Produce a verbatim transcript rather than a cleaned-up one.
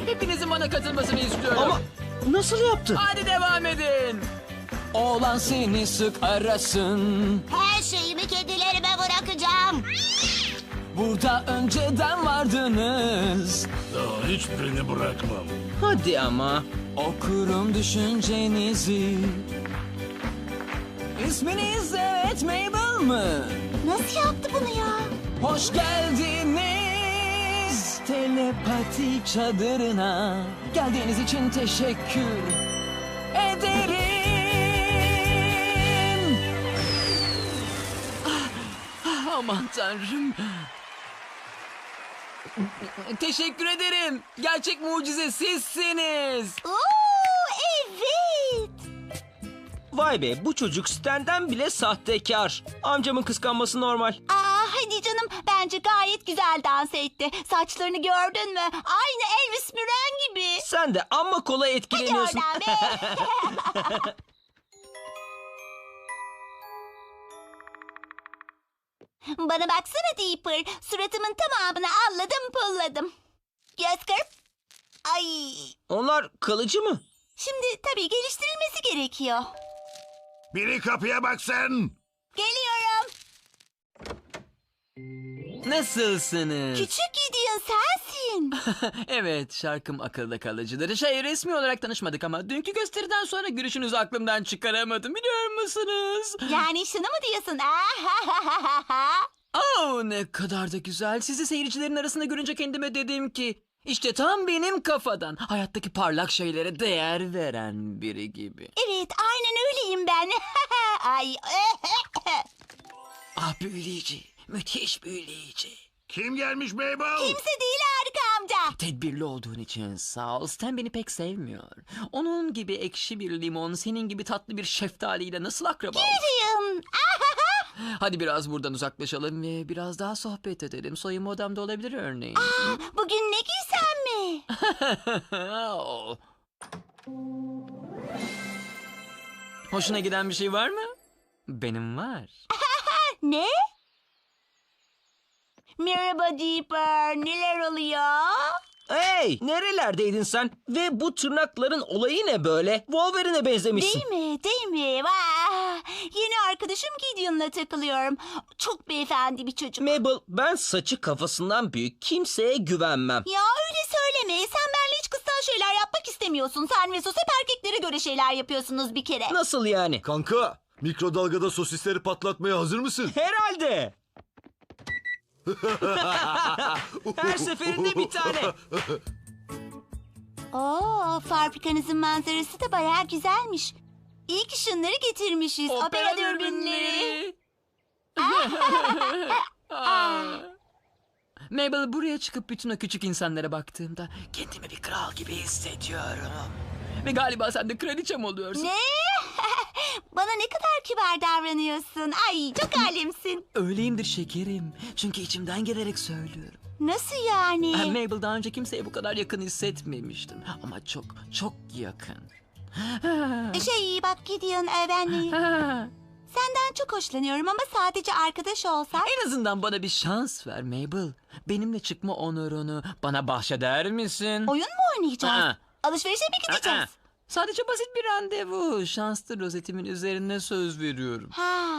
Hepinizin bana katılmasını istiyorum. Ama nasıl yaptı? Hadi devam edin. Oğlan seni sık arasın. Her şeyimi kedilerime bırakacağım. Burada önceden vardınız. Daha hiçbirini bırakmam. Hadi ama. Okurum düşüncenizi. İsminiz evet Mabel mı? Nasıl yaptı bunu ya? Hoş geldiniz telepati çadırına. Geldiğiniz için teşekkür ederim. Aman tanrım. Teşekkür ederim. Gerçek mucize sizsiniz. Oo, evet. Vay be, bu çocuk Stan'den bile sahtekar. Amcamın kıskanması normal. Aa, hadi canım, bence gayet güzel dans etti. Saçlarını gördün mü? Aynı Elvis Müren gibi. Sen de amma kolay Hadi etkileniyorsun. oradan be. Bana baksana Deeper. Suratımın tamamını alladım pulladım. Göz kırp. Ay. Onlar kalıcı mı? Şimdi tabii geliştirilmesi gerekiyor. Biri kapıya baksın. Geliyorum. Nasılsınız? Küçük Gideon sensin. Evet, şarkım akılda kalıcıdır. Şey, resmi olarak tanışmadık ama dünkü gösteriden sonra gülüşünüzü aklımdan çıkaramadım, biliyor musunuz? Yani şunu mu diyorsun? Oh, ne kadar da güzel. Sizi seyircilerin arasında görünce kendime dedim ki... İşte tam benim kafadan. Hayattaki parlak şeylere değer veren biri gibi. Evet, aynen öyleyim ben. Ay. Ah, büyüleyici. Müthiş büyüleyici. Kim gelmiş Mabel? Kimse değil Harika amca. Tedbirli olduğun için sağ ol. Stan beni pek sevmiyor. Onun gibi ekşi bir limon, senin gibi tatlı bir şeftaliyle nasıl akraba olur? Gideon. Hadi biraz buradan uzaklaşalım ve biraz daha sohbet edelim. Soyunma odamda olabilir örneğin. Bugün ne giysem mi? Oh. Hoşuna giden bir şey var mı? Benim var. Ne? Merhaba Deeper. Neler oluyor? Hey, nerelerdeydin sen? Ve bu tırnakların olayı ne böyle? Wolverine'e benzemişsin. Değil mi? Değil mi? Vah! Yeni arkadaşım Gideon'la takılıyorum. Çok beyefendi bir çocuk. Mabel, ben saçı kafasından büyük kimseye güvenmem. Ya öyle söyleme. Sen benimle hiç kıstan şeyler yapmak istemiyorsun. Sen ve Sus hep erkeklere göre şeyler yapıyorsunuz bir kere. Nasıl yani? Kanka, mikrodalgada sosisleri patlatmaya hazır mısın? Herhalde. Her seferinde bir tane. Oo, fabrikanızın manzarası da bayağı güzelmiş. İyi ki şunları getirmişiz. Opera, dürbünleri. Aa. Mabel, buraya çıkıp bütün o küçük insanlara baktığımda kendimi bir kral gibi hissediyorum. Ve galiba sen de kraliçem oluyorsun. Ne? Bana ne kadar kibar davranıyorsun. Ay, çok alemsin. Öyleyimdir şekerim. Çünkü içimden gelerek söylüyorum. Nasıl yani? Ah, Mabel, daha önce kimseye bu kadar yakın hissetmemiştim. Ama çok, çok yakın. Şey bak Gideon, e, ben senden çok hoşlanıyorum ama sadece arkadaş olsak. En azından bana bir şans ver Mabel. Benimle çıkma onurunu bana bahşeder misin? Oyun mu oynayacağız? Aa. Alışverişe mi gideceğiz? Aa, sadece basit bir randevu. Şanslı rozetimin üzerine söz veriyorum. Ha,